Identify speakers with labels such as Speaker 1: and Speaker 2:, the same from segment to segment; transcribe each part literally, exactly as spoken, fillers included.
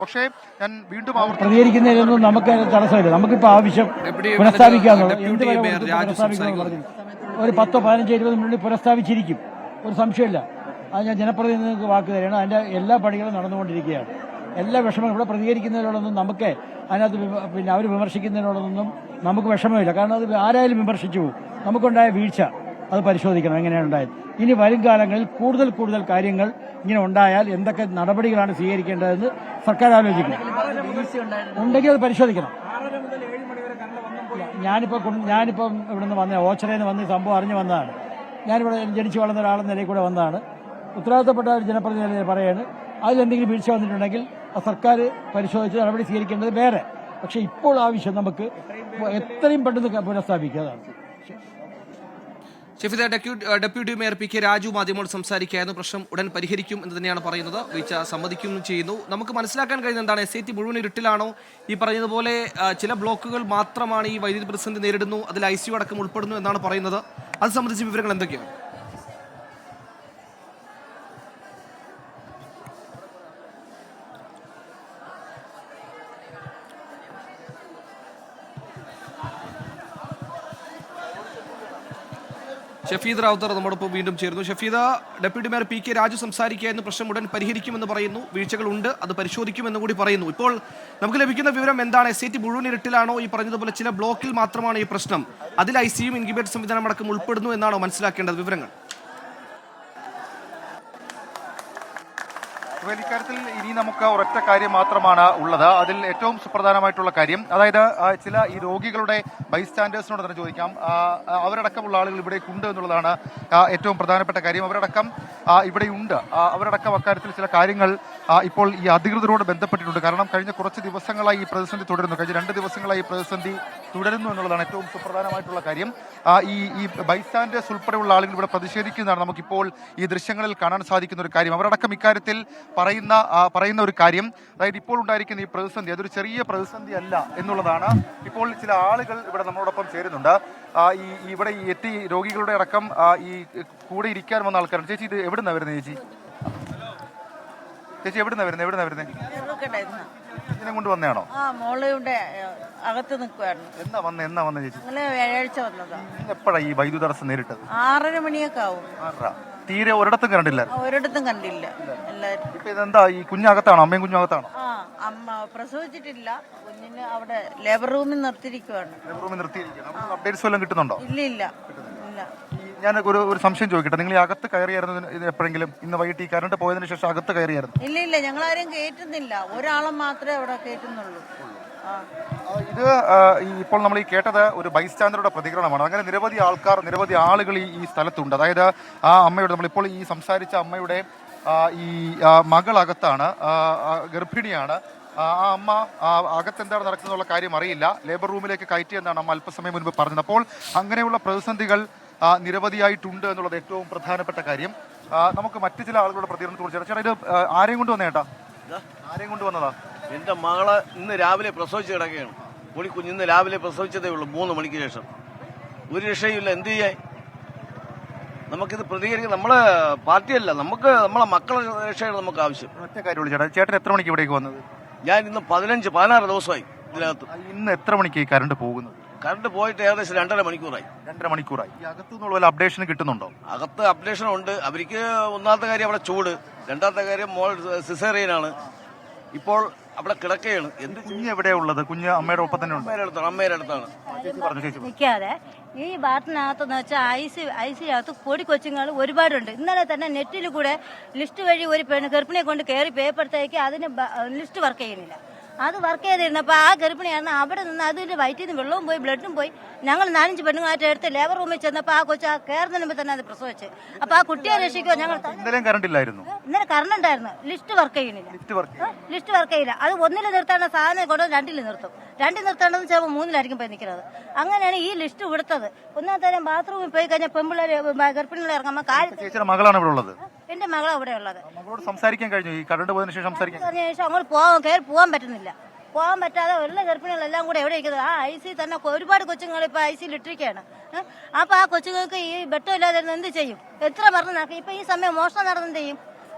Speaker 1: പക്ഷേ ഞാൻ വീണ്ടും
Speaker 2: പ്രതികരിക്കുന്നതിലൊന്നും നമുക്ക് തടസ്സമില്ല. നമുക്കിപ്പോൾ ആവശ്യം പുനഃസ്ഥാപിക്കാന്നുള്ളത് എന്ത് വില കൊടുത്ത് പുനഃസ്ഥാപിക്കണമെന്ന് പറഞ്ഞു ഒരു പത്തോ പതിനഞ്ചോ ഇരുപത് മിനിറ്റ് പുനഃസ്ഥാപിച്ചിരിക്കും, ഒരു സംശയമില്ല. അത് ഞാൻ ജനപ്രതിനിധികൾക്ക് വാക്ക് തരികയാണ്. അതിൻ്റെ എല്ലാ പണികളും നടന്നുകൊണ്ടിരിക്കുകയാണ്. എല്ലാ വിഷമവും ഇവിടെ പ്രതികരിക്കുന്നതിനോടൊന്നും നമുക്ക് അതിനകത്ത് പിന്നെ അവർ വിമർശിക്കുന്നതിനോടൊന്നും നമുക്ക് വിഷമമില്ല. കാരണം അത് ആരായാലും വിമർശിച്ചു പോകും. നമുക്കുണ്ടായ വീഴ്ച അത് പരിശോധിക്കണം എങ്ങനെയാണ് ഉണ്ടായത്. ഇനി വരും കാലങ്ങളിൽ കൂടുതൽ കൂടുതൽ കാര്യങ്ങൾ ഇങ്ങനെ ഉണ്ടായാൽ എന്തൊക്കെ നടപടികളാണ് സ്വീകരിക്കേണ്ടതെന്ന് സർക്കാർ ആലോചിക്കണം. ഉണ്ടെങ്കിൽ അത് പരിശോധിക്കണം. ഞാനിപ്പോൾ ഞാനിപ്പം ഇവിടെ നിന്ന് വന്ന ഓച്ചറയിൽ നിന്ന് വന്ന് സംഭവം അറിഞ്ഞു വന്നതാണ്. ഞാനിവിടെ ജനിച്ചു വളർന്ന ഒരാളെന്ന നിലയിൽ കൂടെ വന്നതാണ്. ഉത്തരവാദിത്തപ്പെട്ട ഒരു ജനപ്രതിനിധി പറയാണ് അതിലെന്തെങ്കിലും വീഴ്ച വന്നിട്ടുണ്ടെങ്കിൽ സർക്കാർ പരിശോധിച്ച് നടപടി സ്വീകരിക്കേണ്ടത് വേറെ. പക്ഷേ ഇപ്പോൾ ആവശ്യം നമുക്ക് എത്രയും പെട്ടെന്ന് പുനഃസ്ഥാപിക്കുക. അതാണ്.
Speaker 3: Shefeeda, deputy mayor P K Raju മാധ്യമോട് സംസാരിക്കുകയായിരുന്നു. പ്രശ്നം ഉടൻ പരിഹരിക്കും എന്ന് തന്നെയാണ് പറയുന്നത്. വീഴ്ച സമ്മതിക്കുകയും ചെയ്യുന്നു. നമുക്ക് മനസ്സിലാക്കാൻ കഴിയുന്ന എന്താണ്, എസ് ഐ ടി മുഴുവൻ ഇരുട്ടിലാണോ? ഈ പറയുന്നതുപോലെ ചില ബ്ലോക്കുകൾ മാത്രമാണ് ഈ വൈദ്യുതി പ്രതിസന്ധി നേരിടുന്നു, അതിൽ ഐ സി യു അടക്കം ഉൾപ്പെടുന്നു എന്നാണ് പറയുന്നത്. അത് സംബന്ധിച്ച വിവരങ്ങൾ എന്തൊക്കെയാണ്? ഷഫീദ് റാവുത്തർ നമ്മോടൊപ്പം വീണ്ടും ചേരുന്നു. Shafeeda, deputy mayor P K Raju സംസാരിക്കുകയായിരുന്നു. പ്രശ്നം ഉടൻ പരിഹരിക്കുമെന്ന് പറയുന്നു. വീഴ്ചകളുണ്ട്, അത് പരിശോധിക്കുമെന്ന് കൂടി പറയുന്നു. ഇപ്പോൾ നമുക്ക് ലഭിക്കുന്ന വിവരം എന്താണ്? എസ് ഐ ടി മുഴുവൻ ഇരുട്ടിലാണോ? ഈ പറഞ്ഞതുപോലെ ചില ബ്ലോക്കിൽ മാത്രമാണ് ഈ പ്രശ്നം, അതിൽ ഐ സിയും ഇൻക്യുബേറ്റർ സംവിധാനം അടക്കം ഉൾപ്പെടുന്നു എന്നാണോ മനസ്സിലാക്കേണ്ടത് വിവരങ്ങൾ?
Speaker 1: ഇക്കാര്യത്തിൽ ഇനി നമുക്ക് ഒരൊറ്റ കാര്യം മാത്രമാണ് ഉള്ളത്. അതിൽ ഏറ്റവും സുപ്രധാനമായിട്ടുള്ള കാര്യം, അതായത് ചില ഈ രോഗികളുടെ ബൈസ്റ്റാൻഡേഴ്സിനോട് തന്നെ ചോദിക്കാം, അവരടക്കമുള്ള ആളുകൾ ഇവിടെ ഉണ്ട് എന്നുള്ളതാണ് ഏറ്റവും പ്രധാനപ്പെട്ട കാര്യം. അവരടക്കം ഇവിടെയുണ്ട്. അവരടക്കം അക്കാര്യത്തിൽ ചില കാര്യങ്ങൾ ഇപ്പോൾ ഈ അധികൃതരോട് ബന്ധപ്പെട്ടിട്ടുണ്ട്. കാരണം കഴിഞ്ഞ കുറച്ച് ദിവസങ്ങളായി ഈ പ്രതിസന്ധി തുടരുന്നു. കഴിഞ്ഞ രണ്ട് ദിവസങ്ങളായി ഈ പ്രതിസന്ധി തുടരുന്നു എന്നുള്ളതാണ് ഏറ്റവും സുപ്രധാനമായിട്ടുള്ള കാര്യം. ഈ ഈ ബൈസ്റ്റാൻഡേഴ്സ് ഉൾപ്പെടെയുള്ള ആളുകൾ ഇവിടെ പ്രതിഷേധിക്കുന്നതാണ് നമുക്കിപ്പോൾ ഈ ദൃശ്യങ്ങളിൽ കാണാൻ സാധിക്കുന്ന ഒരു കാര്യം. അവരടക്കം ഇക്കാര്യത്തിൽ പറയുന്ന പറയുന്ന ഒരു കാര്യം, അതായത് ഇപ്പോൾ ഉണ്ടായിരിക്കുന്ന ഈ പ്രതിസന്ധി അതൊരു ചെറിയ പ്രതിസന്ധി അല്ല എന്നുള്ളതാണ്. ഇപ്പോൾ ചില ആളുകൾ ഇവിടെ നമ്മളോടൊപ്പം ചേരുന്നുണ്ട്. ഈ ഇവിടെ ഈ എത്തി രോഗികളുടെ അടക്കം ഈ കൂടെ ഇരിക്കാൻ വന്ന ആൾക്കാരാണ്. ചേച്ചി, ഇത് എവിടുന്നാ വരുന്നത്? ചേച്ചി ചേച്ചി എവിടുന്നാ വരുന്നത്? എവിടുന്നാ വരുന്നത്? ഇതിനെ കൊണ്ട് വന്നതാണോ?
Speaker 4: അകത്ത് നിൽക്കുവായിരുന്നു.
Speaker 1: എന്നാ വന്നേ എന്നാ വന്നേ ചേച്ചി?
Speaker 4: വ്യാഴാഴ്ച വന്നതാ.
Speaker 1: എപ്പോഴാ ഈ വൈദ്യുത തടസ്സം നേരിട്ടത്?
Speaker 4: ആറര മണിയൊക്കെ ആവും.
Speaker 1: ആറര. തീരെ ഒരിടത്തും കണ്ടില്ല?
Speaker 4: ഒരിടത്തും കണ്ടില്ല. എല്ലാരും.
Speaker 1: ഇപ്പൊ ഇതെന്താ, ഈ കുഞ്ഞകത്താണോ? അമ്മയും കുഞ്ഞകത്താണോ?
Speaker 4: ആ, അമ്മ പ്രസവിച്ചിട്ടില്ല. കുഞ്ഞിന് അവിടെ ലേബർ റൂമിൽ നിർത്തിയിരിക്കുവാണ്.
Speaker 1: ലേബർ റൂമിൽ നിർത്തിയിരിക്കുകയാണ്. അപ്ഡേറ്റ്സ് വല്ലതും കിട്ടുന്നുണ്ടോ?
Speaker 4: ഇല്ല ഇല്ല ഇല്ല.
Speaker 1: ഞാൻ ഒരു ഒരു സംശയം ചോദിക്കട്ടെ, നിങ്ങൾ ഈ അകത്ത് കയറിയായിരുന്നു എപ്പോഴെങ്കിലും? ഇന്ന് വൈകിട്ട് ഈ കറണ്ട് പോയതിനു ശേഷം അകത്ത് കയറിയായിരുന്നു?
Speaker 4: ഇല്ല ഇല്ല, ഞങ്ങൾ ആരെയും കയറ്റുന്നില്ല. ഒരാളെ മാത്രമേ അവിടെ കയറ്റുന്നുള്ളൂ.
Speaker 1: ഇത് ഇപ്പോൾ നമ്മൾ ഈ കേട്ടത് ഒരു ബൈസ്റ്റാൻഡറുടെ പ്രതികരണമാണ്. അങ്ങനെ നിരവധി ആൾക്കാർ, നിരവധി ആളുകൾ ഈ ഈ സ്ഥലത്തുണ്ട്. അതായത് ആ അമ്മയുടെ, നമ്മളിപ്പോൾ ഈ സംസാരിച്ച അമ്മയുടെ ഈ മകളകത്താണ്, ഗർഭിണിയാണ്. ആ അമ്മ അകത്തെന്താണ് നടക്കുന്നുള്ള കാര്യം അറിയില്ല. ലേബർ റൂമിലേക്ക് കയറ്റിയെന്നാണ് അമ്മ അല്പസമയം മുൻപ് പറഞ്ഞത്. അപ്പോൾ അങ്ങനെയുള്ള പ്രതിസന്ധികൾ നിരവധിയായിട്ടുണ്ട് എന്നുള്ളത് ഏറ്റവും പ്രധാനപ്പെട്ട കാര്യം. നമുക്ക് മറ്റു ചില ആളുകളുടെ പ്രതികരണത്തെ കുറിച്ച് ചേട്ടാ, ഇത് ആരെയും കൊണ്ട് വന്നേട്ടാ? ആരെയും കൊണ്ട് വന്നതാ?
Speaker 5: എൻ്റെ മകളെ ഇന്ന് രാവിലെ പ്രസവിച്ച് കിടക്കുകയാണ്. പൊടി കുഞ്ഞ് ഇന്ന് രാവിലെ പ്രസവിച്ചതേ ഉള്ളൂ, മൂന്ന് മണിക്ക് ശേഷം. ഒരു രക്ഷയില്ല. എന്ത് ചെയ്യാൻ? നമുക്കിത് പ്രതികരിക്കാൻ നമ്മളെ പാർട്ടിയല്ല, നമുക്ക് നമ്മളെ മക്കളെ രക്ഷയാണ് നമുക്ക് ആവശ്യം.
Speaker 1: ഒറ്റ കാര്യമുള്ളൂ ചേട്ടാ. ചേട്ടൻ എത്ര മണിക്ക് ഇവിടേക്ക് വന്നത്?
Speaker 5: ഞാൻ ഇന്ന് പതിനഞ്ച് പതിനാറ് ദിവസമായി ഇതിനകത്ത്.
Speaker 1: ഇന്ന് എത്ര മണിക്ക് കറണ്ട് പോകുന്നത്?
Speaker 5: കറണ്ട് പോയിട്ട് ഏകദേശം രണ്ടര മണിക്കൂറായി.
Speaker 1: രണ്ടര മണിക്കൂറായി. ഈ അകത്തു നിന്നുള്ള വല്ല അപ്ഡേഷൻ കിട്ടുന്നുണ്ടോ?
Speaker 5: അകത്ത് അപ്ഡേഷൻ ഉണ്ട്. അവർക്ക് ഒന്നാമത്തെ കാര്യം അവിടെ ചൂട്, രണ്ടാമത്തെ കാര്യം മോൾ സിസേറിയനാണ്. ഇപ്പോൾ അവിടെ കിടക്കുകയാണ്. എന്ത്
Speaker 1: കുഞ്ഞ് എവിടെയാ ഉള്ളത്? കുഞ്ഞ് അമ്മയുടെ ഒപ്പം തന്നെ ഉണ്ട്?
Speaker 5: അമ്മയുടെ അടുത്താണ്. അമ്മയുടെ അടുത്താണ്.
Speaker 6: നിൽക്കാതെ ഈ ബാത്തിനകത്തെന്ന് വെച്ചാൽ ഐ സി ഐ സിനകത്ത് പൊടി കൊച്ചുങ്ങൾ ഒരുപാടുണ്ട്. ഇന്നലെ തന്നെ നെറ്റിൽ കൂടെ ലിസ്റ്റ് വഴി ഒരു പെണ്ണ് ഗർഭിണിയെ കൊണ്ട് കയറി പേപ്പറത്തേക്ക് അതിന് ലിസ്റ്റ് വർക്ക് ചെയ്യുന്നില്ല. അത് വർക്ക് ചെയ്തിരുന്നപ്പോൾ ആ ഗർഭിണിയാണ് അവിടെ നിന്ന് അതിന്റെ വയറ്റിൽ നിന്ന് വെള്ളവും പോയി ബ്ലഡും പോയി. ഞങ്ങൾ നാലഞ്ച് പെണ്ണുങ്ങളായിട്ട് എടുത്ത് ലേബർ റൂമിൽ ചെന്നപ്പോൾ ആ കൊച്ചു ആ കയറുന്നതിന് മുമ്പ് തന്നെ അത് പ്രസവിച്ച്. അപ്പൊ ആ കുട്ടിയെ രക്ഷിക്കോ ഞങ്ങൾ.
Speaker 1: ഇന്നലെ കറണ്ട് ഇല്ലായിരുന്നു?
Speaker 6: ഇന്നലെ കറണ്ട് ഉണ്ടായിരുന്നു. ലിസ്റ്റ് വർക്ക് ചെയ്യുന്നില്ല. ലിസ്റ്റ് വർക്ക് ചെയ്യില്ല. അത് ഒന്നിൽ നിർത്തേണ്ട സാധനം കൊണ്ട് രണ്ടിൽ നിർത്തും. രണ്ടിൽ നിർത്തേണ്ടത് ചിലപ്പോൾ മൂന്നിലായിരിക്കും പോയി നിൽക്കുന്നത്. അങ്ങനെയാണ് ഈ ലിസ്റ്റ് കൊടുത്തത്. ഒന്നാമത്തെ കാര്യം ബാത്റൂമിൽ പോയി കഴിഞ്ഞാൽ പെമ്പിള്ളേർ ഗർഭിണികളെ ഇറങ്ങുമ്പോൾ കാര്യം.
Speaker 1: മകളാണ് ഇവിടെ ഉള്ളത്?
Speaker 6: എന്റെ മകളാണ് ഇവിടെ ഉള്ളത്.
Speaker 1: മകളോട് സംസാരിക്കാൻ കഴിഞ്ഞു? ഈ കറണ്ട് പോയതിനു ശേഷം സംസാരിക്കാൻ
Speaker 6: ശേഷം അങ്ങോട്ട് പോകാൻ കയറി പോകാൻ പറ്റുന്നില്ല. പോകാൻ പറ്റാതെ എല്ലാ ഗർഭിണികളെല്ലാം കൂടെ എവിടെ ഇരിക്കുന്നത്? ആ ഐ സി തന്നെ ഒരുപാട് കൊച്ചുങ്ങൾ ഇപ്പൊ ഐ സിയിൽ ഇട്ടിരിക്കുകയാണ്. അപ്പൊ ആ കൊച്ചുങ്ങൾക്ക് ഈ ബെട്ടം ഇല്ലാതെ എന്ത് ചെയ്യും? എത്ര പറഞ്ഞു നടക്കും? ഇപ്പൊ ഈ സമയം മോഷണം നടന്നെന്ത് ചെയ്യും?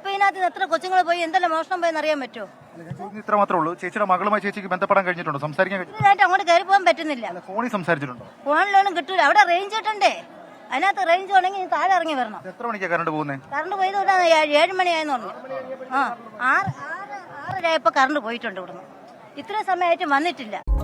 Speaker 6: ഇപ്പൊ ഇതിനകത്ത് എത്ര കൊച്ചുങ്ങൾ പോയി എന്തെല്ലാം മോഷണം പോയെന്ന് അറിയാൻ പറ്റുമോ?
Speaker 1: ഇത്ര മാത്രമേ ഉള്ളൂ. ചേച്ചിയുടെ മകളുമായി ചേച്ചിക്ക് ബന്ധപ്പെടാൻ കഴിഞ്ഞിട്ടുണ്ടോ? സംസാരിക്കാൻ കഴിഞ്ഞിട്ടുണ്ടോ?
Speaker 6: ഇതിനായിട്ട് അങ്ങോട്ട് കയറി പോകാൻ പറ്റുന്നില്ല.
Speaker 1: ഫോണിൽ സംസാരിച്ചിട്ടുണ്ടോ?
Speaker 6: ഫോണിലൊന്നും കിട്ടൂല. അവിടെ റേഞ്ച് കിട്ടണ്ടേ? അതിനകത്ത് റേഞ്ച് വേണമെങ്കിൽ താഴെ ഇറങ്ങി വരണം.
Speaker 1: എത്ര മണിക്കാണ് കറണ്ട് പോകുന്നത്?
Speaker 6: കറണ്ട് പോയത് കൊണ്ടാണ് ഏഴ് മണിയായെന്ന് പറഞ്ഞു. ആ ആറ് ആറ് ആറര ആയപ്പോ കറണ്ട് പോയിട്ടുണ്ട് ഇവിടുന്ന്. ഇത്രയും സമയമായിട്ട് വന്നിട്ടില്ല.